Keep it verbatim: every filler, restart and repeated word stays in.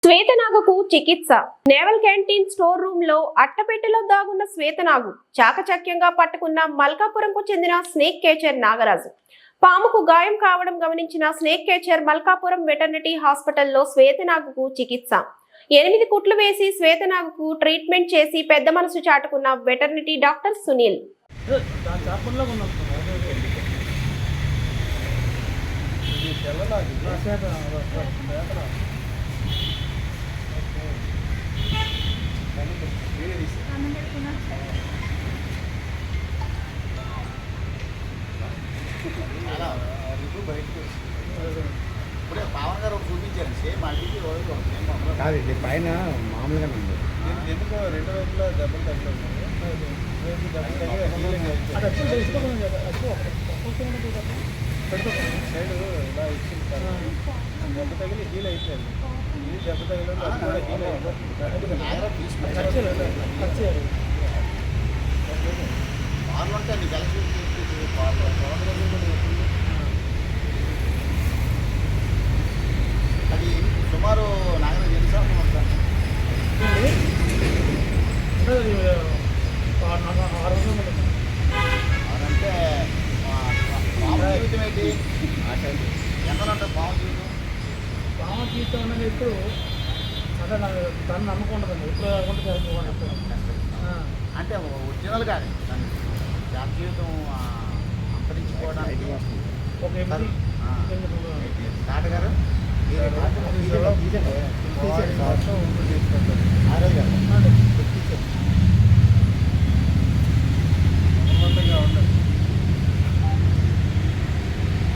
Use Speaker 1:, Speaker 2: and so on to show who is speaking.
Speaker 1: శ్వేతనాగుకు చికిత్స. Naval canteen store room లో అట్టపెట్టెలో దాగున్న శ్వేతనాగు చాకచక్యంగా పట్టుకున్న మల్కాపురంకు చెందిన స్నేక్ కేచర్ నాగరాజు. పాముకు గాయం కావడం గమనించిన స్నేక్ కేచర్ మల్కాపురం వెటర్నరీ హాస్పిటల్లో శ్వేతనాగుకు చికిత్స. ఎనిమిది కుట్లు వేసి శ్వేతనాగుకు ట్రీట్మెంట్ చేసి పెద్ద మనసు చాటుకున్న వెటర్నరీ డాక్టర్ సునీల్.
Speaker 2: ఇప్పుడే పవన్ గారు చూపించారు సేమ్ అడిగి
Speaker 3: కాదు ఇది పైన మామూలుగా ఉంది.
Speaker 2: ఎందుకో రెండు వైపులా దెబ్బలు తగ్గలేదు సైడ్ ఇలా ఇచ్చింది సార్. దెబ్బ తగిలి హీల్ అయిపోయింది. ఇది దెబ్బ తగిలి అది కూడా హీల్ అయిపోయింది. పాలు ఉంటే అది కలిసి అది సుమారు నాగర ఎన్ని సంవత్సరం అదంటే పాము జీవితం ఏంటి ఎంత ఉంటుంది పాము జీవితం?
Speaker 4: పాము జీవితం అనేది ఎప్పుడు అంటే నాకు దాన్ని నమ్మకుంటుందండి ఎప్పుడు కాకుండా జరుగుతుంది.
Speaker 2: అంటే ఒరిజినల్ కానీ జాబ్ జీవితం అంతరించిపోవడానికి
Speaker 4: ఒక ఎనిమిది
Speaker 2: తాటగారు
Speaker 3: తీసేయండి.